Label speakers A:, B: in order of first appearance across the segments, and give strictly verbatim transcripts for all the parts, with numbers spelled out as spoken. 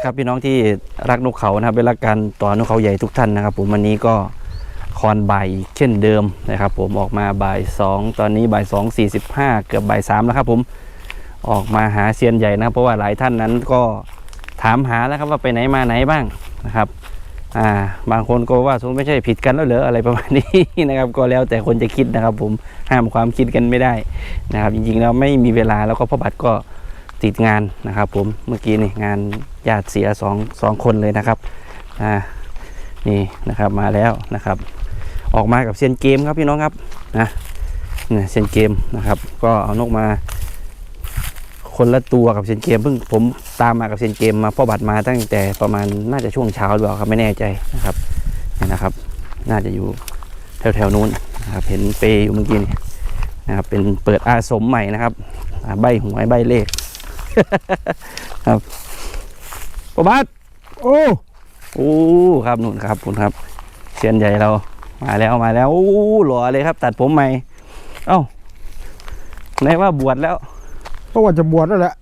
A: ครับพี่น้องที่รักนกเขานะครับเป็นรักการต่อนกเขาใหญ่ทุกท่านนะครับผมวันนี้ก็คอนบ่ายเช่นเดิมนะครับผมออกมาบ่ายสองตอนนี้บ่ายสองสี่สิบห้าเกือบบ่ายสามแล้วครับผมออกมาหาเซียนใหญ่นะครับเพราะว่าหลายท่านนั้นก็ถามหาแล้วครับว่าไปไหนมาไหนบ้างนะครับอ่าบางคนก็ว่าสมไม่ใช่ผิดกันแล้วเหรออะไรประมาณนี้นะครับก็แล้วแต่คนจะคิดนะครับผมห้ามความคิดกันไม่ได้นะครับจริงๆแล้วไม่มีเวลาแล้วก็พ่อบัตรก็ติดงานนะครับผมเมื่อกี้นี่งานญาติเสียสองสองคนเลยนะครับอ่านี่นะครับมาแล้วนะครับออกมากับเซียนเกมครับพี่น้องครับนะเนี่ยเซียนเกมนะครับก็เอานกมาคนละตัวกับเซียนเกมเพิ่งผมตามมากับเซียนเกมมาพ่อบัตรมาตั้งแต่ประมาณน่าจะช่วงเช้าหรือเปล่าครับไม่แน่ใจนะครับนี่นะครับน่าจะอยู่แถวแถวนู้นนะครับเห็นเปย์อยู่เมื่อกี้นี่นะครับเป็นเปิดอาสมใหม่นะครับใบหวยใบเลขครับพ่อบัตรโอ้โอ้ครับนู่นครับคุณครับเซียนใหญ่เรามาแล้วมาแล้วโอ้หล่อเลยครับตัดผมใหม่เอ้าไหนว่าบวชแล้ว
B: ก็ว่าจะบวชแล้วแหละ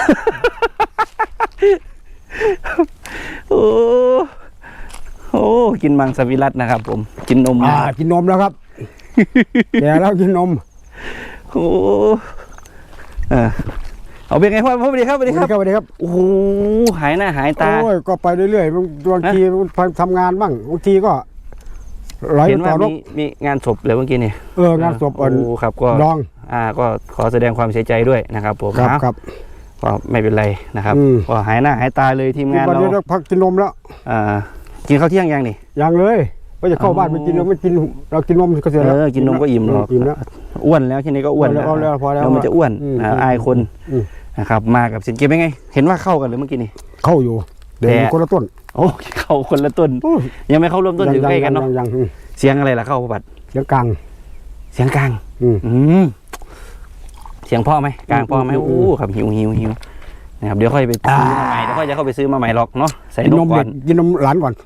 A: โอ้โหกินมังสวิรัตนะครับผมกินนม
B: อ่ากินนมแล้วครับแก่แล้วกินนม
A: โอ้เออเอาเป็นไงพ่อพ่อสวัสดีครับสวัสดีครับ
B: สวัสดีครับ
A: โอ้โหหายหน้าหายตา
B: โอ้ยก็ไปเรื่อยๆบางทีทำงานบ้างบางทีก็
A: เห็นว่ามีมีงานศพเลยเมื่อกี้นี่
B: เอองานศพอ่อน
A: ครับก็
B: ดอง
A: อ่าก็ขอแสดงความเสียใจด้วยนะครับผม
B: ครับครับ
A: ก็ไม่เป็นไรนะครับก็หายหน้าหายตาเลยทีมงานเรา
B: พักกินนมแล้ว
A: อ่ากินข้าวเที่ยงยังนี่
B: ยังเลยก็จะเข้าบ้านไปกินนมไม่กินเรากินนมก็เสร็จแล้ว
A: กินนมก็อิ่มหรอกอ้วนแล้วทีนี้ก็อ้วนแล้วเรามันจะอ้วนอายคนนะครับมากับสินเกมเป็นไงเห็นว่าเข้ากันหรือเมื่อกี้นี่
B: เข้าอยู่เดี๋ยวคนละต้น
A: โอ้เข้าคนละต้นยังไม่เข้าร่วมต้นอยู่ใกล้กันเนาะเสียงอะไรล่ะเข้าบัตร
B: เสียงกลาง
A: เสียงกลางอืมเสียงพ่อไหมกลางพ่อไหมโอ้ครับหิวหิวหิวนะครับเดี๋ยวค่อยไปซื้อมาใหม่เดี๋ยวค่อยจะเข้าไปซื้อมาใหม่หรอกเนาะใส่นมก่อน
B: กินนมหลานก่อน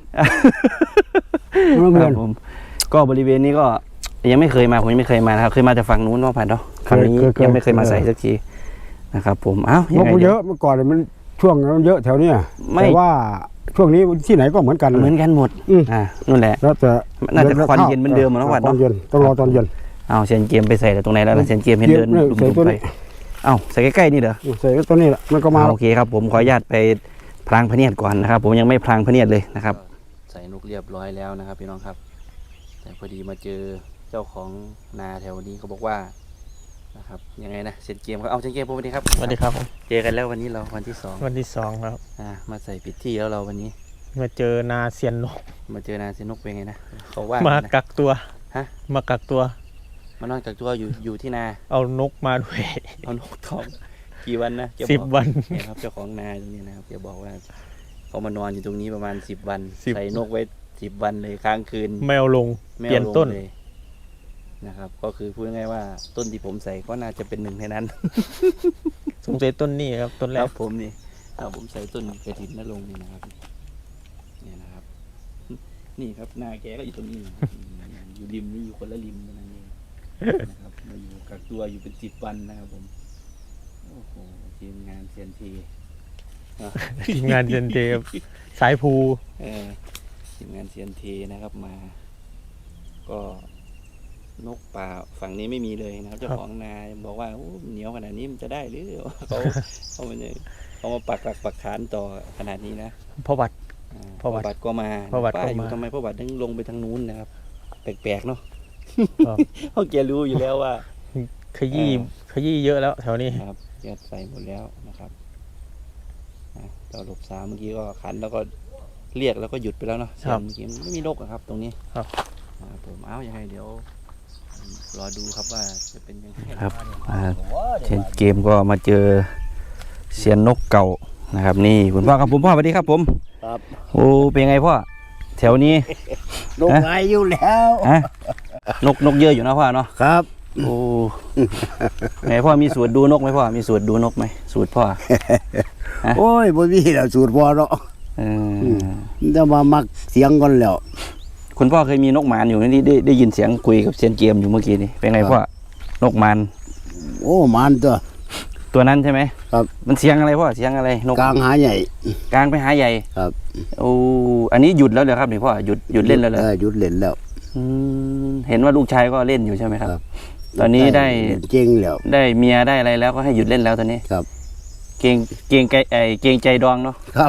A: ครับผมก็บริเวณนี้ก็ยังไม่เคยมาผมยังไม่เคยมานะครับเคยมาจากฝั่งนู้นว่าผ่านเนาะครั้งนี้ยังไม่เคยมาใส่สักทีนะครับผมอ้าวน
B: กเยอะเมื่อก่อนมันช่วงมันเยอะแถวนี้แต่ว่าช่วงนี้ที่ไหนก็เหมือนกัน
A: เหมือนกันหมดอ่านู่นแหละ
B: แล้วแต่
A: น่าจะควันเย็นเหมือนเดิมนะวัดเนาะ
B: ต้องรอตอนเย็น
A: เอาเซนเกมไปใส่ตรงไหนแล้วเซนเกมเห็นเดินดุ่มๆไปเอาใส่ใกล้ๆนี่เหรอ
B: ใส่ตัวนี้แหละมันก็มา
A: โอเคครับผมขออนุญาตไปพลางพเนียดก่อนนะครับผมยังไม่พลางพเนียดเลยนะครับใส่นกเรียบร้อยแล้วนะครับพี่น้องครับแต่พอดีมาเจอเจ้าของนาแถวนี้เขาบอกว่านะครับยังไงนะเซนเกมครับเอาเซนเกมสวัสดีครับ
C: สวัสดีครับ
A: เจอกันแล้ววันนี้เราวันที่สอง
C: วันที่สองครับ
A: อ่ามาใส่ปิดที่แล้วเราวันนี้
C: มาเจอนาเซียนนก
A: มาเจอนาเซียนนกเป็นไงนะเขาว่า
C: มากักตัว
A: ฮะ
C: มากักตัว
A: มานอนกักตัวอยู่อยู่ที่นา
C: เอานกมาด้วย
A: เอานกทองกี่วันนะ
C: สิบวัน
A: เนี่ยครับเจ้าของนาตรงนี้นะครับแกบอกว่าเขามานอนอยู่ตรงนี้ประมาณสิบวันใส่นกไว้สิบวันเลยค้างคืน
C: ไม่เอาลงเปลี่ยนต้น
A: เลยนะครับก็คือพูดง่ายๆว่าต้นที่ผมใส่ก็น่าจะเป็นหนึ่งในนั้น
C: สงสัยต้นนี้ครับต้นแรก
A: ผมนี่ถ้าผมใส่ต้นกระถินนั่นลงนี่นะครับนี่นะครับนี่ครับนาแกก็อยู่ตรงนี้อยู่ริมนี่อยู่คนละริมนั่นเองนะครับมาอยู่กักตัวอยู่เป็นสิบวันนะครับผมโอ้โหทีมงานเซียนที
C: ทีมงานเซียนทีสายภู
A: เออทีมงานเซียนทีนะครับมาก็นกป่าฝั่งนี้ไม่มีเลยนะครับเจ้าของนาบอกว่าเหนียวขนาดนี้มันจะได้หรือเขาเขามันเขามาปักหลักปักฐานต่อขนาดนี้นะ
C: พ่อบัตร
A: พ่อบัตรก็มา
C: พ่อบัตรก็
A: มาทำไมพ่อบัตรถึงลงไปทางนู้นนะครับแปลกๆเนาะเพราะแกรู้อยู่แล้วว่า
C: ขยี้ขยี้เยอะแล้วแถวนี้
A: ครับแกใส่หมดแล้วนะครับเราหลบสามเมื่อกี้ก็ขันแล้วก็เรียกแล้วก็หยุดไปแล้วเนาะเมื่อกี้ไม่มีนกครับตรงนี้
C: ครับ
A: ผมเอาอย่างไรเดี๋ยวรอดูครับว่าจะเป็นยังไงครับเช่นเกมก็มาเจอเซียนนกเก่านะครับนี่คุณพ่อครับผมพ่อสวัสดีครับผม
B: ครับ
A: โอ้เป็นไงพ่อแถวนี้
B: นกไรอยู่แล้ว
A: นกนกเยอะอยู่นะพ่อเนาะ
B: ครับ
A: โอ้ไหนพ่อมีสูตรดูนกไหมพ่อมีสูตรดูนกไหมสูตรพ่อ
B: โอ้ยบ่มีแล้วสูตรพ่อเนาะจะมามักเสียงก่อนแล้ว
A: คุณพ่อเคยมีนกหมานอยู่นี่ได้ได้ยินเสียงคุยกับเซียนเกมอยู่เมื่อกี้นี่เป็นไงพ่อนกหมาน
B: โอ้หมานตัว
A: ตัวนั้นใช่ไหม
B: ครับ
A: มันเสียงอะไรพ่อเสียงอะไรนก
B: กลางหาใหญ่
A: กลางไปหาใหญ่
B: ครับ
A: โอ้อันนี้หยุดแล้วเหรอครับนี่พ่อหยุดหยุดเล่นแล้วเหรอ
B: ออหยุดเล่นแล้ว
A: อืมเห็นว่าลูกชายก็เล่นอยู่ใช่ไหมครับ
B: ครับ
A: ตอนนี้ได้
B: เล่นเก่งแล้ว
A: ได้เมียได้อะไรแล้วก็ให้หยุดเล่นแล้วตอนนี้
B: ครับ
A: เกรงเกรงใจไอเกรงใจดองเนาะ
B: ครับ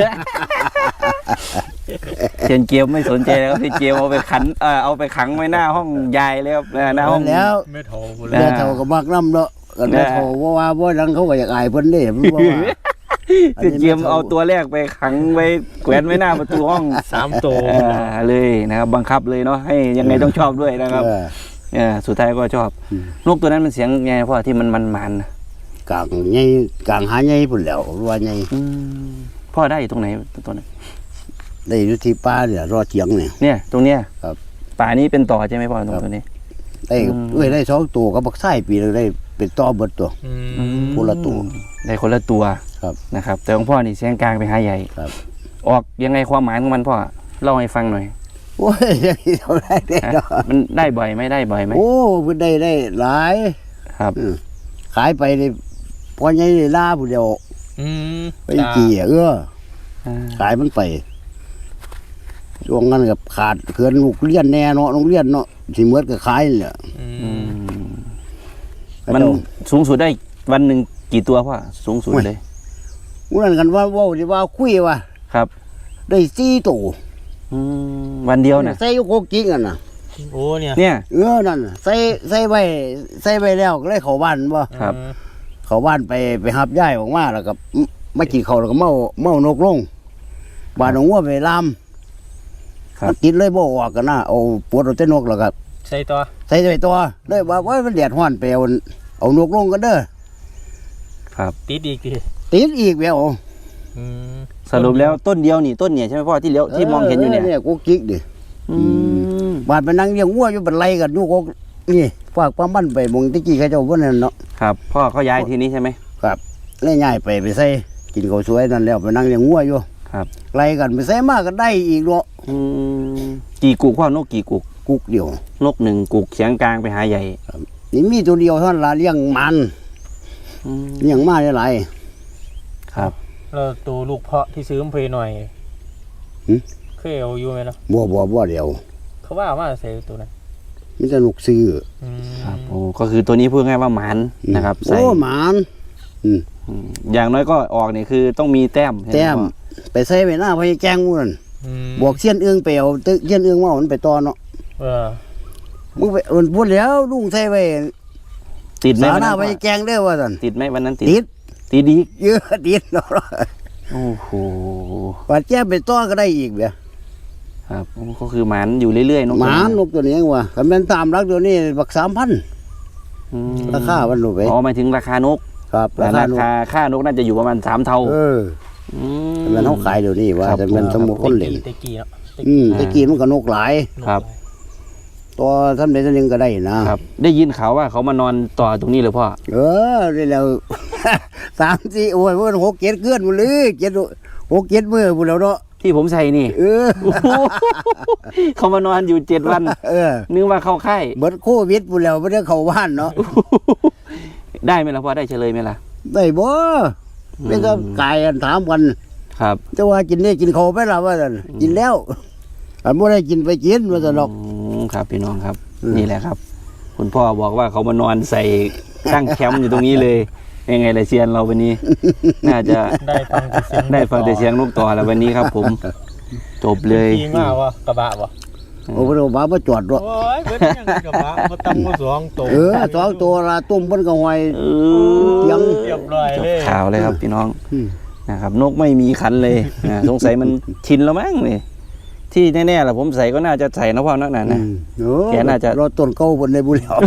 A: เชนเกียวไม่สนใจแล้วครับพี่เกียวเอาไปขันเออเอาไปขังไว้หน้าห้องยายเลยครับเออหน้าห้อง
B: แล้ว
C: ไม่โทรกู
A: เอ
C: เลย
B: แม่เฒ่าก็มักน้ำเนาะกันแม่เฒ่าว่าว่าบ่ดังเขาก็อยากอายเพิ่นเด้มันบ่ว่า
A: พี่เกียวเอาตัวแรกไปขังไว้แขวนไว้หน้าประตูห้อง
C: สามตัว
A: อ่าเลยนะครับบังคับเลยเนาะให้ยังไงต้องชอบด้วยนะครับ
B: เออ
A: เออสุดท้ายก็ชอบ
B: อืม
A: นกตัวนั้นมันเสียงไงพ่อที่มันมันมันๆนะ
B: กลางใหญ่กลางหาใหญ่พุ่นแล้วว่าใหญ่
A: อืมพ่อได้อยู่ตรงไหนตัวนั้น
B: ได้อยู่ที่ป่าเนี่ยรอเถียงเนี่ย
A: เนี่ยตรงเนี้ย
B: ครับ
A: ป่านี้เป็นต่อใช่ไหมพ่อตรงตัวนี้
B: ได้
A: อืม
B: เอ้ยได้สองตัวกับบักไส้ปีนึงได้เป็นต่อเบิดตัว
C: อืม
B: คนละตัว
A: ได้คนละตัว
B: ครับ
A: นะครับ แต่ของพ่อนี่เสียงกลางไปหาใหญ่
B: ครับ
A: ออกยังไงความหมายของมันพ่อเล่าให้ฟังหน่อย
B: โอ้ยยังสิเท่าไรได้
A: ฮะ
B: เนาะ
A: มันได้บ่อยไหมได้บ่อยไหม
B: โอ้เพิ่นได้ได้หลาย
A: ครับ
B: อืมขายไปนี่พอใหญ่ได้ลาผู้เดียว
C: อืม
B: ไปกี่เออ
A: อ่า
B: ขายมันไปช่วงนั้นกับขาดเขื่อนลูกเรียนแน่เนาะโรงเรียนเนาะสิเหมือนกับขายนี่แหละ
C: อื
A: อื
C: ม
A: มมันสูงสุดได้วันหนึ่งกี่ตัวพ่อสูงสุดเลย
B: มื้อนั้นกันว่าเว้าสิว่าคุยว่า
A: ครับ
B: ได้สี่ตัว
A: อืมวันเดียวนะ
B: ใส่อยู่โคกกิ้งกันน่ะ
C: โอ้เนี่ย
A: เนี่ย
B: เออนั่นน่ะใส่ใส่ไว้ใส่ไว้แล้วก็เลยเข้าบ้านบ่
A: ครับ
C: อืม
B: เข้าบ้านไปไปหับย่ายออกมาแล้วก็มากินข้าวแล้วก็เมาเมานกลงบ้านของงัวไปลาม
A: ครับ
B: มันติดเลยบ่ออกกันนะเอาปวดเอาแต่นกแล้วก็
C: ใส่ตัว
B: ใส่ไว้ตัวเลยว่าว่ามันแดดร้อนไปเอาเอานกลงกันเด้อ
A: ครับ
C: ติดอีกที
B: ติดอีกแล้ว
C: อืม
A: สรุปแล้วต้นเดียวนี่ต้นเนี่ยใช่ไหมพ่อที่เลี้ยวที่มองเห็นอยู่เนี่ย
B: เนี่ยกูกิ๊กดิ
A: อืม
B: บาดไปนั่งเลี้ยงงัวอยู่บันไลกันอยู่กกนี่ฝากป้ามันไปมงตะกี้เขาเจ้าบ่นั่นเนาะ
A: ครับพ่อเขาย้ายทีนี้ใช่ไหม
B: ครับเลยย้ายไปไปใส่กินข้าวสวยนั่นแล้วไปนั่งเลี้ยงงัวอยู่
A: ครับ
B: ไล่กันไปใส่มาก็ได้อีกเนาะ
A: อืมกี่กุกพ่อนกกี่กุก
B: กุกเดียวน
A: กหนึ่งกุกเสียงกลางไปหาใหญ่
B: นี่มีตัวเดียวเท่านั้นละเลี้ยงมัน
A: อืม
B: เลี้ยงมาได้หลาย
A: ครับ
C: แล้วตัวลูกเพาะที่ซื้อมาเพลหน่อย
B: หึ
C: เคยเอาอยู่ไหมเนาะ
B: บ่บ่บ่เดียว
C: เขาว่าว่าใส่ตัวนั้น
B: มีแต่นกซื้อ
C: อืม
A: ครับโอ้ก็คือตัวนี้พูดง่ายว่าหมันนะครับใส่
B: โอ้หมาน
A: อืมอย่างน้อยก็ออกเนี่ยคือต้องมีแต้มใช่ไห
B: แต้ม
A: พ่อ
B: ไปใส่ไว้หน้าพญาแกงหมู่นั่น
C: อืม
B: บอกเสี้ยนเอื้องไปเอาตึกเสี้ยนเอื้องมาเอามันไปต่อเนาะ
C: เออ
B: มึงไปเอิ้นพูดแล้วลุงใส่ไว้
A: ติดไหม
B: สา
A: วัน
B: หน้า
A: นั้น
B: พ
A: พ่อ
B: ญาแกงเด้อว่าซั่น
A: ติดไหมวันนั้นติด
B: ติด
A: ติดอีก
B: เยอะติดเนาะ
A: โอ้โห
B: ว่าแจ้ไปต่อก็ได้อีกเด้อ
A: ครับโอ้ก็คือหมันอยู่เรื่อยๆนก
B: หมานนกตัวนี้เองว่าคันแม่นตามรักตัวนี้บักสามพัน
A: อืม
B: ราคามันรู้ไป
A: อ๋อหมายถึงราคานก
B: ครับราคา
A: รา
B: นก
A: คาค่านกน่าจะอยู่ประมาณสามเท่า
B: เออ
A: ม
B: แต่มันเฮาขายเดี๋ยวนี้ว่า
A: ครับ
B: แต่มันสมมุติคนเล่น
C: ตะกี้เนาะตะ
B: อื
C: กี้
B: มตะกี้มันก็นกหลาย
A: ครับ
B: ตัวทำได้ตัวหนึงก็ได้นะครับ
A: ได้ยินข่าวว่าเขามานอนต่อตรงนี้เลยพ่อ
B: เออได้แล้ว สามสี่โอ้ยมันหกเจ็ดเกือนหมดเลยเจ็ดหกเจ็ดมื้อพุ่นแล้วเนาะ
A: ที่ผมใส่นี่
B: เออ
A: โอ้โหเขามานอนอยู่เจ็ดวัน
B: เออ
A: นึกว่าเข้าค่าย
B: เบิดโควิดพุ่นแล้วบ่ได้เข้าบ้านเนาะ
A: ได้ไหมล่ะพ่อได้เฉลยไหมล่ะ
B: ได้บ่ไม่ก็กายกันถามกัน
A: ครับ
B: แต่ว่ากินได้กินข้าวไปแล้วว่าซั่นกินแล้วอันบ่ได้กินไปกินว่าซั่นดอก
A: อืมครับพี่น้องครับ
B: อืม
A: นี่แหละครับ คุณพ่อบอกว่าเขามานอนใส่ตั้งแคมป์อยู่ตรงนี้เลยยังไงล่ะเซียนเราวันนี้ น่าจะ
C: ได้ฟังแต่เสียง
A: ได้ฟังแต่เสียงนกต่อแล้ววันนี้ครับผม จบเลย
C: จริงว่าวะกระบะวะ
B: โอ้บ่ได้ว่าบ่จอดดอก
C: โอ้ยเพิ่นยังกระบะมาตำมาสองตัว
B: เออสองตัวละตุ่มเพิ่นก็ห้อย
A: เอ
B: เสียง
C: เรียบร้อย
A: จบ
C: เลย
A: ข่าวเลยครับพี่น้อง
B: อืม
A: นะครับ นกไม่มีคันเลยนะสงสัยมันชินแล้วมั้งนี่ที่แน่ๆล่ะผมใส่ก็น่าจะใส่นะพ่อนักหนานะ
B: โอ้
A: แกน่าจะ
B: รถต้นเก่าเพิ่นได้บุแล้ว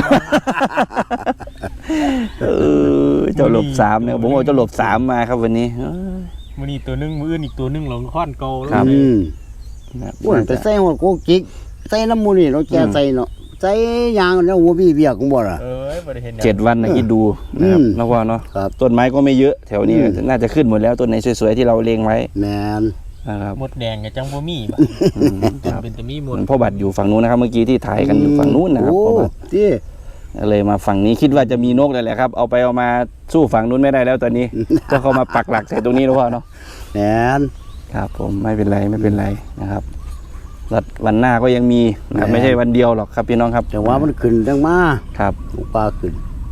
A: เออเจ้าหลบสามเนี่ยผมเอาเจ้าหลบสามมาครับวันนี้เออ
C: มื้อนี้ตัวหนึงมื้ออื่นอีกตัวหนึงหลงค้อนเก่าแล้ว
A: ครับ
B: อืม
A: นะ
B: อ้วนไปใส่หัวโกกิกใส่น้ำมูนี่เนาะแกใส่เนาะใส่ยางแล้วหัวบี้เบียกของบ่ล่ะ
C: เอ้ยบ่ได้เห็นหยัง
A: เจ็ดวันนะคิดดูนะครับ
B: อืม
A: นะพ่อเนาะ
B: ครับ
A: ต้นไม้ก็ไม่เยอะแถวนี้
B: อืม
A: น่าจะขึ้นหมดแล้วต้นไหนสวยๆที่เราเลงไว้
B: แม่น
A: นะครับ
C: หมดแดงกับจังบ่มีบ่
A: อืมครับ
C: เป็นแต่มีหมด
A: พ่อบัตรอยู่ฝั่งนู้นนะครับ เมื่อกี้ที่ถ่ายกันอยู่ฝั่งนู้นนะครับ
B: โอ้
A: พ่อบัตร
B: ที่
A: เลยมาฝั่งนี้คิดว่าจะมีนกเลยแหละครับเอาไปเอามาสู้ฝั่งนู้นไม่ได้แล้วตอนนี้ ก็เขามาปักหลักใส่ตรงนี้แล้วพ่อเนาะ
B: แหน
A: ครับผมไม่เป็นไรไม่เป็นไรนะครับแล้ววันหน้าก็ยังมีนะครับไม่ใช่วันเดียวหรอกครับพี่น้องครับ
B: แต่ว่ามันขึ้นจังมา
A: ครับ
B: ลูกปลาขึ้น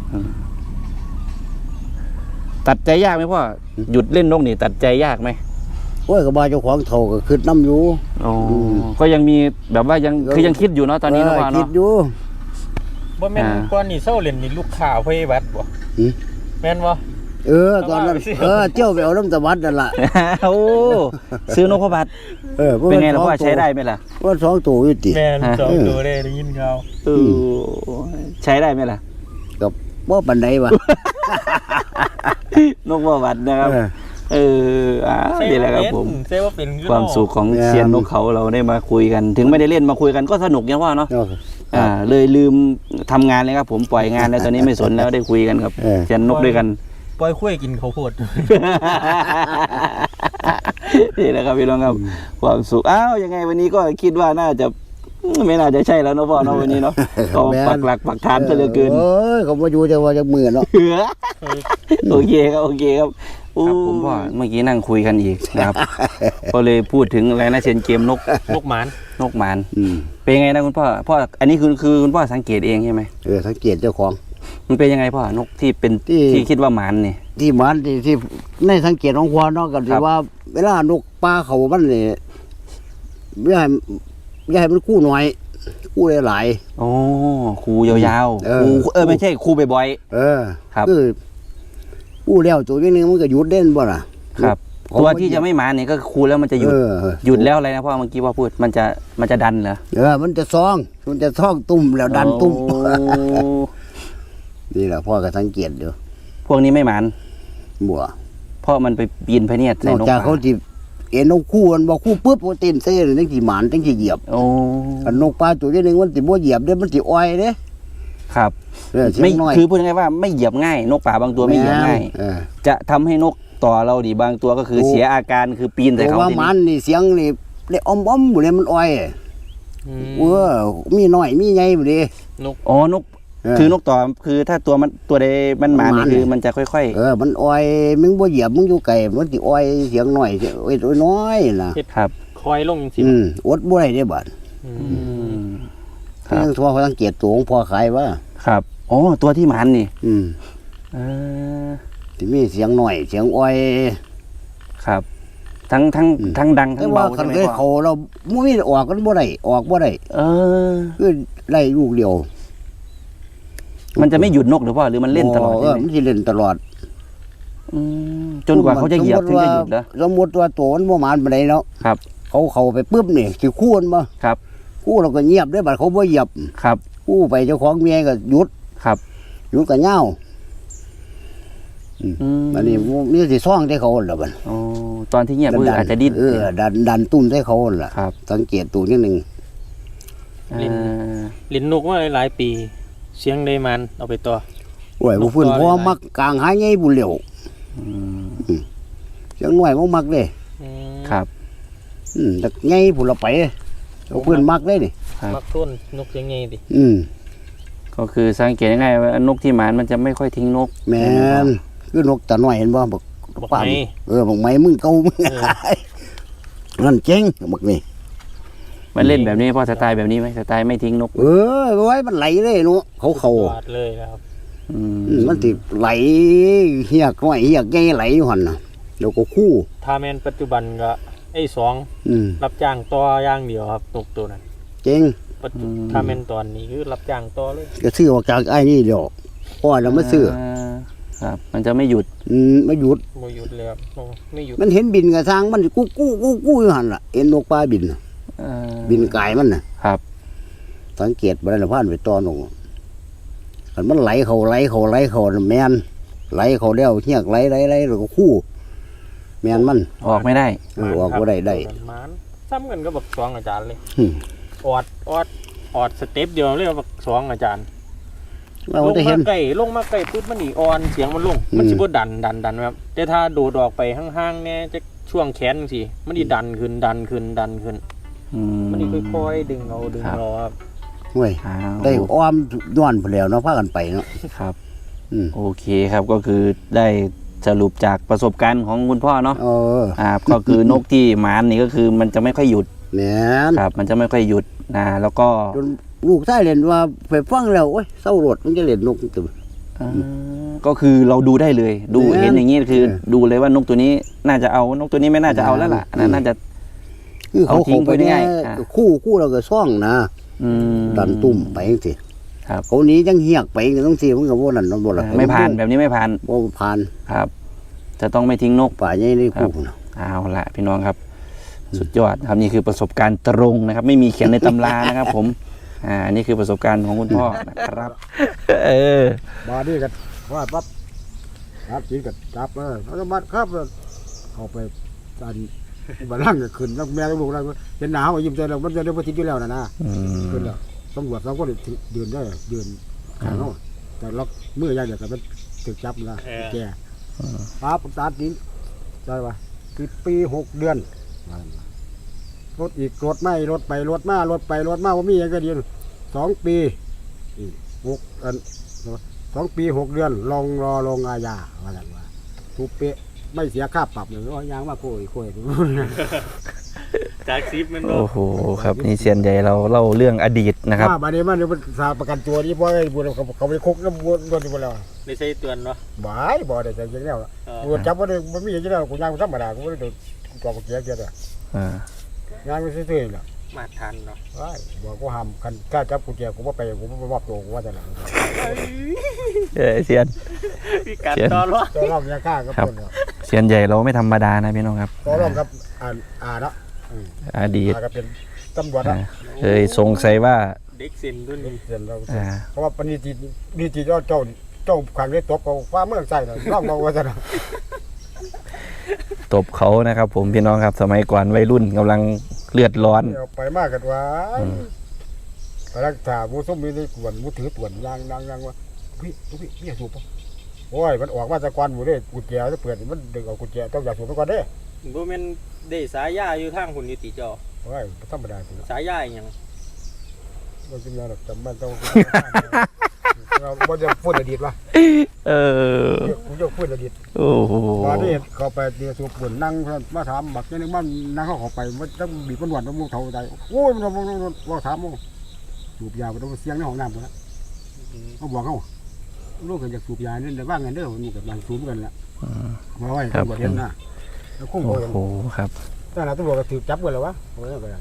A: ตัดใจยากไหมพ่อหยุดเล่นนกนี่ตัดใจยากไหม
B: โอ้ยก็บ่าเจ้าของเท่าก็ขึ้นน้ำอยู่
A: อ๋อก็ยังมีแบบว่ายังคือยังคิดอยู่เนาะตอนนี้นะพ่อ
B: คิ
A: เนาะ
B: ดอยู่
C: บ่แม่น
A: อ่า
C: ก่อนนี่เซาเล่นนี่ลูกข่าวพยาบัตบ่
B: หืม
C: แม่นบ่
B: เออตอนนั้น
C: เอามาไปสิ
B: เออเจ้าไปเอาน้ำตะวัดนั่นล่ะ
A: โอ้ซื้อนกพระบาท
B: เออ
A: เป็นไงล่ะพ่อใช้ได้ไหมล่ะ
B: ว่าสองตัวอยู่ติ
C: แม่น
A: ฮะ
C: สองตัวได้ได้ยินข่าว
A: เออใช้ได้ไหมล่ะ
B: กับบ่ปานใดวะ
A: นกพระบาทนะครับ
B: เออ
A: เอออ่านี่แหละครับผม
C: เซว่าเป็นคือ
A: ความสุขของ
B: แม่น
A: เซียนนกเขาเราได้มาคุยกัน ถึงไม่ได้เล่นมาคุยกันก็สนุกอย่างว่าเนาะ
B: เนาะ
A: อ่าเลยลืมทำงานเลยครับผมปล่อยงานแล้วตอนนี้ไม่สนแล้วได้คุยกันกับ
B: เออ
A: เซียนนกด้วยกัน
C: ปล่อยคุ้ยกินข้าวโพด
A: นี่แหละครับพี่น้องครับความสุขอ้าวยังไงวันนี้ก็คิดว่าน่าจะไม่น่าจะใช่แล้วเนาะพ่อเนาะวันนี้เนาะก็ปักหลักปักฐานซะเหลือเกิน
B: เอ้ยเขาบ่อยู่แต่ว่าจะมือเนาะ
A: โอเคครับโอเคครับครับผมพ่อเมื่อกี้นั่งคุยกันอีกนะครับ ก็เลยพูดถึงอะไรนะเซียนเกมนก
C: นกหมาน
A: นกหมาน
B: อืม
A: เป็นไงนะคุณพ่อพ่ออันนี้คือคือคุณพ่อสังเกตเองใช่ไหม
B: เออสังเกตเจ้าของ
A: มันเป็นยังไงพ่อนกที่เป็น
B: ที่
A: ที่คิดว่าหมานนี่
B: ที่มันที่ที่ในสังเกตของควานเนาะก็
A: ค
B: สิ
A: รับ
B: ว่า เวลานกปลาเขามันนี่อย่าให้อย่าให้มันคู่น้อยคู่หลาย
A: โอ้ครูยาวๆ
B: เออ
A: ครูเออไม่ใช่ครูบ่อย
B: ๆเออ
A: ครับ
B: คือคู่แล้วตัวนี้นึงมันก็หยุดเด่นบ่ล่ะ
A: ๆครับ
B: เขา
A: ตัวที่จะไม่หมานนี่ก็ครูแล้วมันจะหยุด
B: เออ
A: หยุดแล้วอะไรนะพ่อเมื่อกี้พ่อพูดมันจะมันจะดันเหรอ
B: เออ มันจะซอง มันจะท่องตุ่มแล้วดันตุ่ม
A: โอ้
B: นี่แหละพ่อก็สังเกตอยู่
A: พวกนี้ไม่หมาน
B: บัว
A: เพราะมันไปปีนพะเนียด
B: น
A: ใส่
B: อก
A: นก
B: จากเขา
A: ป่า
B: ที่เอ็นนกคู่มันบอกคู่ปุ๊บมันตีนเส้นตั้งที่หมานตั้งที่เหยียบ
A: โอ้
B: อันนกปลาตัวนี้นึงมันติบ่เหยียบเด้มันติอ้อยเด้
A: ครับ
B: เออเสีย
A: ไม่
B: งน้อย
A: คือพูดง่ายๆว่าไม่เหยียบง่าย นกป่าบางตัวไม่เหยียบง่าย
B: เออ
A: จะทำให้นกต่อเราดิบางตัวก็คือ
B: โอ้
A: เสียอาการคือปีน
B: แต่
A: ใส่เขา
B: ว่า
A: ที
B: หมั
A: นี้
B: นนี่เสียงนี่ได้อ้อมอ้อมๆบ่เลยมันอ้อย
C: อืม
B: เออมีน้อยมีใหญ่บ่เด้
C: นก
A: อ๋อนก
B: เออ
A: คือนกต่อคือถ้าตัวมันตัวใดมันหมา
B: มันหมา
A: นี่คือ
B: เนี่ย
A: มันจะค่อย
B: เออมันอ้อยมึงบ่เหยียบมึงอยู่ไกลมันสิอ้อยเสียงน้อยเสียงอ้อยน้อยน่ะ
A: ๆ ครับ
C: คอยลงจังซี่
B: อืมอดบ่ได้เด้บัด
C: อื
A: อื
C: ม
A: มครับ
B: ยังทั่วเขาสังเกตตัวของพ่อขายว่า
A: ครับอ๋อตัวที่หมันนี่
B: อืม
A: เออ
B: ที่มีเสียงหน่อยเสียงอ้อย
A: ครับ ทั้งทั้ง
B: อืม
A: ทั้งดัง
B: แต่
A: ทั้ง
B: ว่า
A: เบา
B: คั
A: ใช่
B: น
A: ไหม
B: เคย
A: พ่อ
B: เขาเราบ่มีออกกันบ่ได้ออกบ่ได้
A: เออ
B: คือไล่ลูกเดียว
A: มันจะไม่หยุดนกหรือเปล่าหรือมันเล่นตลอด
B: เอ
A: ใช่
B: อ
A: ไหม
B: มันสิเล่นตลอด
A: อืมจนกว่าเขาจะเหยียบถึงจะหยุดเหรอ
B: สมมุติว่าตัวมันบ่หมานปานใดเนาะ
A: ครับ
B: เขาเข้าไปปึ๊บนี่สิคู่มันบ่
A: ครับ
B: คู่เราก็เงียบได้บัดเขาบ่เหยียบ
A: ครับ
B: คู่ไปเจ้าของเมียก็หยุด
A: ครับ
B: หยุดก็เหงา
A: อืม
B: อันนี้มีสิซ่องใส่เขาล่ะบัด
A: อ๋อตอนที่เงียบมืออาจจะดิ้น
B: เออดันดันตุ้มใส่เขาล่ะ
A: ครับ
B: สังเกตตัวนิดนึง
A: เออ
C: เล่นนกมาหลายๆปี เสียงได้มันเอาไปต่อ
B: โอ้ยบ่ฟื้น
C: นกตัว
B: พอ
C: หลายๆ
B: มักกลางหาใหญ่บุเหลียว
A: อืม
B: เสียงน้อยบ่มักเด้
C: อืม
A: ครับ
B: อืมแต่ใหญ่พุ่นละไปเอาเพิ่นมักเลยนี่
A: ครับ
C: มักต้นนกเสียงใหญ่ดิ
B: อืม
A: ก็คือสังเกตง่ายๆว่านกที่หมานมันจะไม่ค่อยทิ้งนก
B: แม่นคือนกตาน้อยเห็นบ่บัก
C: บอก
B: ป้าม
C: ไหน
B: เออบักไม้มึงเก่ามึง
C: เออ
B: นั่นเจ๋งบักนี่
A: มันเล่นแบบนี้เพราะสไตล์แบบนี้ไหมสไตล์ไม่ทิ้งนก
B: เออไว้มันไหลเลยเนาะเขาเขา
C: สุดยอดเลยนะครับ
A: อืม
B: อืมมันสิไหลเฮียกน้อยเฮียกใหญ่ไหลอยู่หั่นน่ะแล้วก็คู่
C: ถ้าแมนปัจจุบันก็ไอ้สอง
B: อืม
C: รับจ้างต่อย่างเดียวครับนกตัวนั้น
B: เจ๋ง
C: ปัจจุถ้าแมนตอนนี้คือรับจ้างต่อเลย
B: ก็ซื้อออกจากไอ้นี่เดียวพ่อเรามาซื้อ
A: ครับ มันจะไม่หยุด
B: อืมไม่หยุด
C: โมหยุดเลยครับโอ้ไม่หยุด
B: มันเห็นบินกระทางมันกู้กู้กู้กู้อยู่หั่นล่ะเห็นนกปลาบินน่ะ
A: เอ่อ
B: บินไกลมันน่ะ
A: ครับ
B: สังเกตบ่ได้ละผ่านไปตอนงคันมันไหลเขาไหลเขาไหลเขาน่ะแม่นไหลเขาแล้วเฮียกไหลไหลไหลแล้วก็คู่แม่นมัน
A: ออกไม่ได้
B: เออออกบ่ได้ได้
C: หมานซ้ำกันก็บักสองอาจารย์เลย
B: หึ
C: ออดออดออดสเต็ปเดียวเลยบักสองอาจารย์
B: เรา
C: ลง
B: จะเห็
C: มาน ใกล้ลงมาใกล้ปุ๊บมันนี่ออนเสียงมันลง มัน
B: อืม
C: สิบ่ดันดันดันครับแต่ถ้าโดดออกไปห่างๆเนี่ยจะช่วงแขนสิมันนี่ดันขึ้นดันขึ้นดันขึ้น
A: อื
C: มันนี่ค่อยๆดึงเอาดึง
A: ครับ
C: เอาครับ
B: ห่วย
A: อ้าว
B: ได้อ้อมย้อนไปแล้วเนาะพากันไปเนาะ
A: ครับ
B: อืม
A: โอเคครับก็คือได้สรุปจากประสบการณ์ของคุณพ่อเนาะ
B: เออ
A: อ่าก็คือนกที่หมานนี่ก็คือมันจะไม่ค่อยหยุด
B: แม่น
A: ครับ มันจะไม่ค่อยหยุดนะแล้วก็
B: จนลูกชายเล่นว่าไปฟังแล้วโอ้ยเศร้ารถมันจะเล่นนกตึม
A: อ่าก็คือเราดูได้เลย ดู
B: แม่น
A: เห็นอย่างนี้คือ
B: เออ
A: ดูเลยว่านกตัวนี้น่าจะเอานกตัวนี้ไม่น่าจะเอาแล้วล่ะ
B: อืม
A: น่าจะ
B: คือเขา
A: เอาทิ้ง
B: เข้าไป
A: ไปได้
B: เนี่ย
A: อ่า
B: คู่คู่เราก็ซ่องนะ
A: อืม
B: ดันตุ่มไปจังซี่
A: ครับ
B: เขาหนี้จังเฮียกไปจังต้องซี่มันก็บ่นั่นบ่ล่ะ
A: อ่าไม่ผ่านแบบนี้ไม่ผ่าน
B: บ่ผ่าน
A: ครับ จะต้องไม่ทิ้งนก
B: ป่าใหญ่ในคู่เนาะ
A: เอาละพี่น้องครับ สุดยอดครับนี่คือประสบการณ์ตรงนะครับ ไม่มีเขียนในตำรานะครับ ผมอ่านี่คือประสบการณ์ของคุณพ่อนะครับ เออ
D: มาดีกันว่าปั๊บรับจีนกันจับเออแล้วก็มัดครับเข้าไปอันบัลลังก์ก็ขึ้นแล้วแม่ต้องลูกแล้วเห็นหนาวยิ้มใจแล้วมันจะได้บ่ทิ้งอยู่แล้วนะนะ
A: อืม
D: ขึ้นแล้วตำรวจเราก็เดินได้เดินข้างเนาะแต่ล็อกมืออย่างเดียวกันมันถึกจับนะแกปั๊บตัดดินได้ปะปีปีหกเดือนรถอีกรถไม่รถไปรถมารถไปรถมาว่ามีอย่างก็ดีสองปีอีกหกอัน สองปีหกเดือนลองรอลงอาญาว่าอย่างว่าทุบเป๊ะไม่เสียค่าปรับเลยว่ายางมาโคุยคุย
C: จากซิปมัน
A: โอ้โหครับนี่เซียนใหญ่เราเล่าเรื่องอดีตนะครับ
D: มาบัดนี้มันเดี๋ยวมันสาประกันตัวนี่เพราะไอ้บุญเขาเขาไปคุกแล้วบุญโดนที่บุญแล้ว
C: ในใส่เตือนเนาะ
D: บ่ายบ่ได้ใจจริงแล้ว
C: เออ
D: บุญจับว่าได้มันมีอย่างนี้แล้วกูยางธรรมดากูไม่ได้โดนกอกเกียร์เกียร์เลย
A: อ่า
D: ยางไม่ซื่อๆแล้ว
C: มาทันเนาะ
D: ว้ายบอกกูห้ามคันกล้าจับกูเกียร์กูไม่ไปกูไม่มอบตัวกูว่าจะหลัง
A: เออเซียน
C: มีการต่อรอง
D: ตัวร่องยาฆ่าก็
A: ครับ
D: เพิ่นแล้ว
A: เซียนใหญ่เราไม่ธรรมดานะพี่น้องครับ
D: ตัวร่องกับอ่านอ่านละอืม
A: อดีต
D: อ่าก็เป็นตำรวจ
A: อ่า
D: ละ
A: เคยสงสัยว่า
C: เด็กเซ็นรุ่นนี้
D: เห็นเรา
A: อ่า
D: เพราะว่าปณิตินิติเจ้าเจ้าเจ้าขังได้ตบกับฟ้าเมืองใส่เนาะร่องมาว่าจะเนาะ
A: ตบเขานะครับ ผมพี่น้องครับ สมัยก่อนวัยรุ่นกำลังเลือดร้อน
D: เอาไปมากกันว่าไปรักษามูส้มมีในกวนมูถือตวนยางยางยางว่าพี่พี่พี่อย่าสูบป่ะโอ้ยมันออกมาจากกวนหมูเด้กุญแจจะเปิดมันดึงเอากุญแจต้องอย่าสูบไปก่อนเด้
C: บ่แม่นได้สายยาอยู่ทางหุ่นอยู่ติจอ
D: โอ้ยธรรมดาจริง
C: สายยาอหยัง
D: มันจะมีอะไรจำมันต้องเราบ่จะพูดอดีตวะ
A: เออ
D: กูจะพูดอดีต
A: โอ้โห
D: มาที่เข้าไปเดี๋ยวสูบปุ่นนั่งมาถามบักนี่นึงมันนั่งเข้าเข้าไปมันต้องบีบมันหวานมันมุงเท่าใจโอ้ยมันมันมันว่าถามมันสูบยามันต้องเสียงในห้องน้ำกูละเขาบอกเขาลูกกันจะสูบยาเนี่ยแต่ว่าเงินเด้อมันกับหลังสูบกันละมาไว้ตำรวจเห็นนะแล้วคุ้ม
A: โอ้
D: เขา
A: โหครับ
D: แต่ละตำรวจก็ถือจับกันแล้ววะโอ้ยก็ได้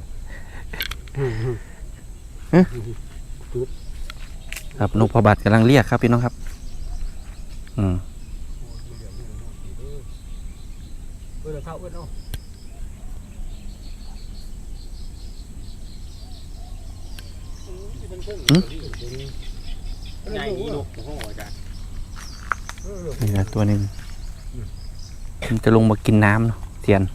A: ครับนกพระบัตรกำลังเรียกครับพี่น้องครับ อืม
D: เออเท่าเออเนาะ
C: ใหญ่นี่ลูกโอ้โหอาจารย์
A: นี่นะตัวหนึ่งมันจะลงมากินน้ำเนาะเทียน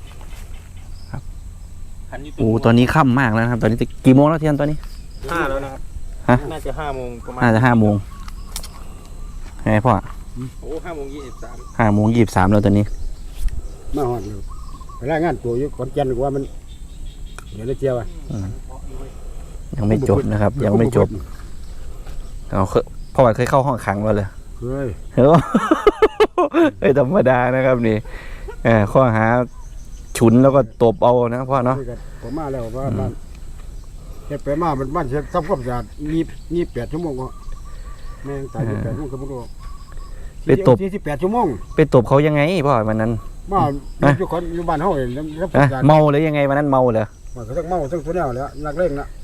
C: คันอยู่
A: โอ้ตอนนี้ค่ำมากแล้วนะครับ ตอนนี้จะกี่โมงแล้วเทียนตอนนี้
C: ห้าแล้วนะครับ
A: ฮะ
C: น่าจะห้าโมงประมาณ
A: น่าจะห้าโมงไงพ่อ
C: โอ้ห้าโมงยี่สิบสาม
A: ห้าโมงยี่สิบสามแล้วตอนนี้
D: มาหอดเลยไปรายงานตัวอยู่ขอนแก่นว่ามันเดี๋ยวได้เจียวอ่ะ
A: อืมยังไม่จบนะครับ ยังไม่จบเอาเคยพ่อว่าเคยเข้าห้องขังมาเลย
D: เฮ้ย
A: เฮ้ย เฮ้ยธรรมดานะครับนี่เออข้อหาฉุนแล้วก็ตบเอานะพ่อเนาะ
D: ผมมาแล้วว่าบ้านเฮ็ดไปมามันบ้านเช็ดทำความสะอาดมีมีแปดชั่วโมงก็แม่งตายแปดชั่วโมงก็บ่รู้
A: ไปตบ
D: สี่สิบแปดชั่วโมง
A: ไปตบเขายังไงพ่อวันนั้น
D: มาอยู่คนอยู่บ้านเฮาเองแล้วทำความ
A: ฮะ
D: สะอาด
A: เมาหรือยังไงวันนั้นเมาเหรอ
D: มันก็ต้องเมาทั้งตัวแนวแล้วนักเล่นนะ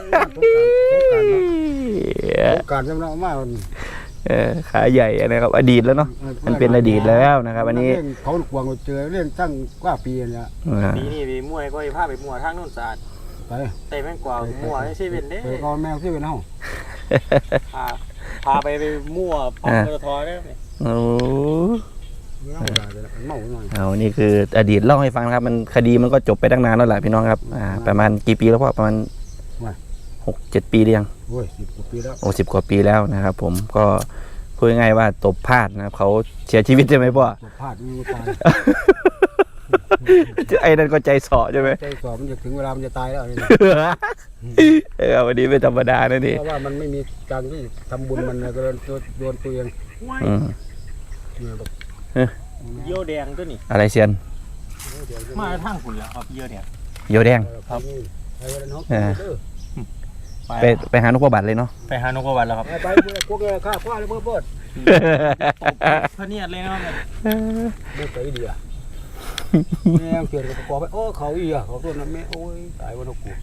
D: สงกรานต์สงกรานต์เนาะสงกรานต์จำเนาะมา
A: เออขาใหญ่นะครับ อดีตแล้วเนาะมันเป็นอดีตแล้วนะครับ อันนี้
D: เขากวางเจอเรื่องตั้งกว่าปีเนี่ย
A: อ่า
C: ปีนี้ไปมั่วก็ไปพาไปมั่วทางโน้นสะอาด
D: ไป
C: แต่แม่งกว่ามั่วในเซเว่นเด้
D: ไปเอาแมวที่เป็นเฮา
C: พาพาไปไปมั่วปั๊มปตทได้ไหม
A: โอ้
D: เมาได้เลยเมาหน่อย
A: เอานี่คืออดีตเล่าให้ฟังนะครับ มันคดีมันก็จบไปตั้งนานแล้วแหละพี่น้องครับ อ่า ประมาณกี่ปีแล้วพ่อประมาณหกเจ็ดปีหรือยัง
D: โอ้ยสิบกว่าปีแล้ว
A: โอ้สิบกว่าปีแล้วนะครับ ผมก็พูดง่ายๆว่าตบพลาดนะครับเขาเสียชีวิตใช่ไหมพ่อ
D: ตกพลาดมีตาย
A: ไอ้นั่นก็ใจสอใช่ไหม
D: ใจสอบมันจะถึงเวลามันจะตายแล้วนี่
A: เออวันนี้ไม่ธรรมดานะนี่
D: เพราะว่ามันไม่มีการที่ทำบุญมันนะก็โดนโดนตัวเอง
A: อืม
D: เนี่ยแบบ
C: เยี่ยวแดงตัวนี้
A: อะไรเซียน
C: มาทางฝุ่นแล้วครับเยี่ยวแดง
A: โยแดง
D: ครับไปวันน้อง
A: เออ
C: ไป
A: ไปไปหานกพระบัตรเลยเนาะ
C: ไปหานกกระวันแล้วครับ
D: ไปไปพวกแกข้าคว้าเลยเพื่อเพื่อน
C: พระเนียดเลยนะครับ
D: ไม่ไปดีอ่ะแม่งเปลี่ยนกับประกอบไปโอ้เขาอีอ่ะเขาตัวนั้นแม่โอ้ยตายวันนกกู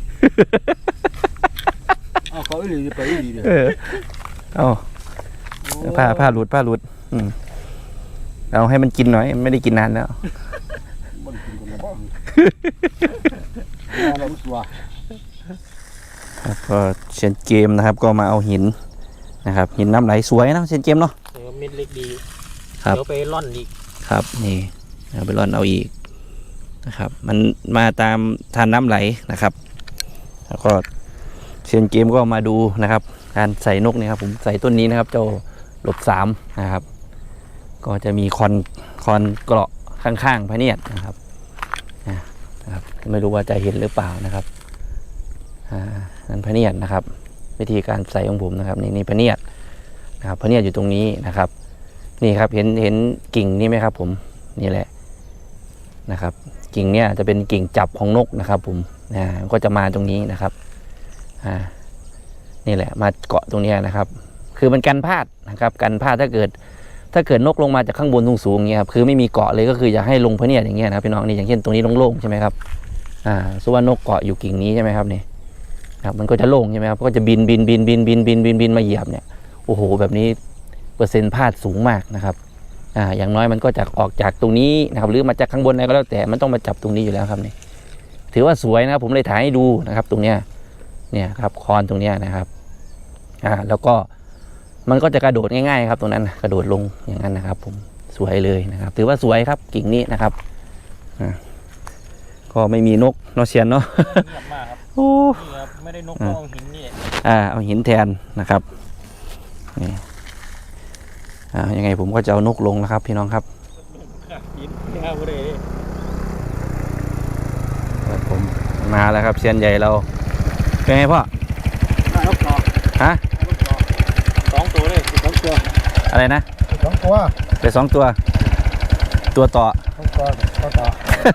D: อ้าวเขาอีหลีไปอีหลีเนี่ย
A: เออเอาผ้าผ้าหลุดผ้าหลุดอืมเอาให้มันกินหน่อยไม่ได้กินนานแล้ว
D: มันกินกันนะบ้างเราสัว
A: ครับก็เซียนเกมนะครับ ก็มาเอาหินนะครับ หินน้ำไหลสวยนะเซียนเกมเนาะ
C: เออเม็ดเล็กดี
A: ครับ
C: เดี๋ยวไปร่อนอีก
A: ครับนี่เอาไปร่อนเอาอีกนะครับ มันมาตามทานน้ำไหลนะครับ แล้วก็เซียนเกมก็มาดูนะครับ การใส่นกนี่ครับผมใส่ต้นนี้นะครับ เจ้าหลบสามนะครับ ก็จะมีคอนคอนเกราะข้างๆพระเนียดนะครับนะครับไม่รู้ว่าจะเห็นหรือเปล่านะครับอ่านั่นพระเนียดนะครับ วิธีการใส่ของผมนะครับนี่นี่พระเนียดนะครับพระเนียดอยู่ตรงนี้นะครับ นี่ครับเห็นเห็นกิ่งนี่ไหมครับ ผมนี่แหละนะครับ กิ่งเนี่ยจะเป็นกิ่งจับของนกนะครับ ผมนะก็จะมาตรงนี้นะครับอ่านี่แหละมาเกาะตรงนี้นะครับ คือมันกันพลาดนะครับกันพลาดถ้าเกิด ถ้าเกิดนกลงมาจากข้างบนสูงๆอย่างเงี้ยครับคือไม่มีเกาะเลยก็คืออยากให้ลงพระเนียดอย่างเงี้ยนะครับพี่น้องนี่อย่างเช่นตรงนี้โล่งๆใช่ไหมครับอ่าสมมุติว่านกเกาะอยู่กิ่งนี้ใช่ไหมครับนี่ครับมันก็จะโล่งใช่ไหมครับก็จะบินบินบินบินบินบินบินบินมาเหยียบเนี่ยโอ้โหแบบนี้เปอร์เซ็นต์พลาดสูงมากนะครับอ่าอย่างน้อยมันก็จะออกจากตรงนี้นะครับหรือมาจากข้างบนอะไรก็แล้วแต่มันต้องมาจับตรงนี้อยู่แล้วครับนี่ถือว่าสวยนะครับผมเลยถ่ายให้ดูนะครับ ตรงเนี้ยเนี่ยครับคอนตรงเนี้ยนะครับอ่าแล้วก็มันก็จะกระโดดง่ายๆครับตรงนั้นกระโดดลงอย่างนั้นนะครับ ผมสวยเลยนะครับ ถือว่าสวยครับกิ่งนี้นะครับอ่าก็ไม่มีนกนกเชียนเนาะ
C: เงียบมากครับ
A: โอ้
C: นี่ครับไม่ได้นกก็เอาหินนี่
A: อ่าเอาหินแทนนะครับนี่อ่ายังไงผมก็จะเอานกลงนะครับ พี่น้องครับ
C: หินแค่เลย
A: ครับผมมาแล้วครับเชียนใหญ่เราเป็นไงพ่อ
D: ได้นกต่อ
A: ฮะ
C: สองตัวเลย
D: สองตัว
A: อะไรนะ
D: สองตัว
A: ไปสองตัว ตัวต่อ
D: สองตัวต่อต่อ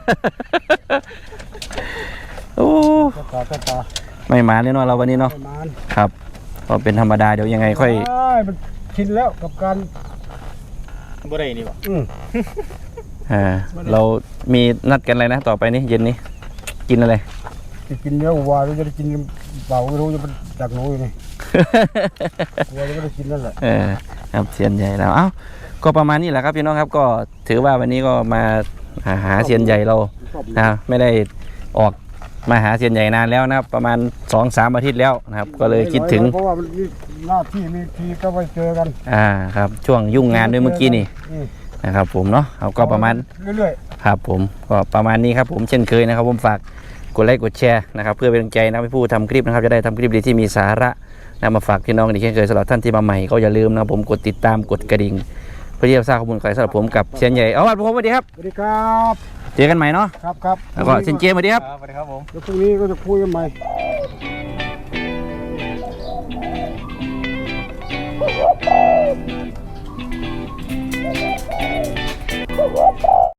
A: โอ้
D: ต่อต่อต่อ
A: ไม่มาแน่นอนเราวันนี้เนาะ
D: ประมาณ
A: ครับก็เป็นธรรมดาเดี๋ยวยังไงค่อย
D: ใช่มันชินแล้วกับการ
C: บ่ได้นี่บ่
D: อืม
A: อ่าเรามีนัดกันอะไรนะต่อไปนี้เย็นนี้กินอะไร
D: จะกินเนื้อวัวหรือจะได้กินเปล่าไม่รู้จะเป็นจากหนูอยู่นี่ วัวจะไม่ได้กินนั่นแหละ
A: เออครับเซียนใหญ่แล้วเอ้าก็ประมาณนี้แหละครับพี่น้องครับก็ถือว่าวันนี้ก็มาหาหาเซียนใหญ่เรานะครับไม่ได้ออกมาหาเซียนใหญ่นานแล้วนะครับ ประมาณสองสามอาทิตย์แล้วนะครับ ก็เลยคิดถึง
D: เพราะว่ามันมีหน้าที่มีทีก็ไปเจอกัน
A: อ่าครับช่วงยุ่งงานด้วยเมื่อกี้นี่
D: อืม
A: นะครับ ผมเนาะเอาก็ประมาณ
D: เรื่อย
A: ครับผมก็ประมาณนี้ครับผมเช่นเคยนะครับ ผมฝากกดไลค์กดแชร์นะครับ เพื่อเป็นกำลังใจนะให้ผู้ทำคลิปนะครับจะได้ทำคลิปดีที่มีสาระนำมาฝากพี่น้องอีกเช่นเคยสำหรับท่านที่มาใหม่ก็อย่าลืมนะครับผมกดติดตามกดกระดิ่งเพื่อที่จะทราบข้อมูลข่าวสารสำหรับผมกับเซียนใหญ่เอาล่ะผมสวัสดีครับ
D: ๆสวัสดีครับ
A: เจอกันใหม่เนาะ
D: ครับครับ
A: แล้วก็เซียนเจมส์สวัสดีครับ
C: สวัสดีครับผม
D: แล้วพรุ่งนี้ก็จะคุยกันใหม่
E: Woo!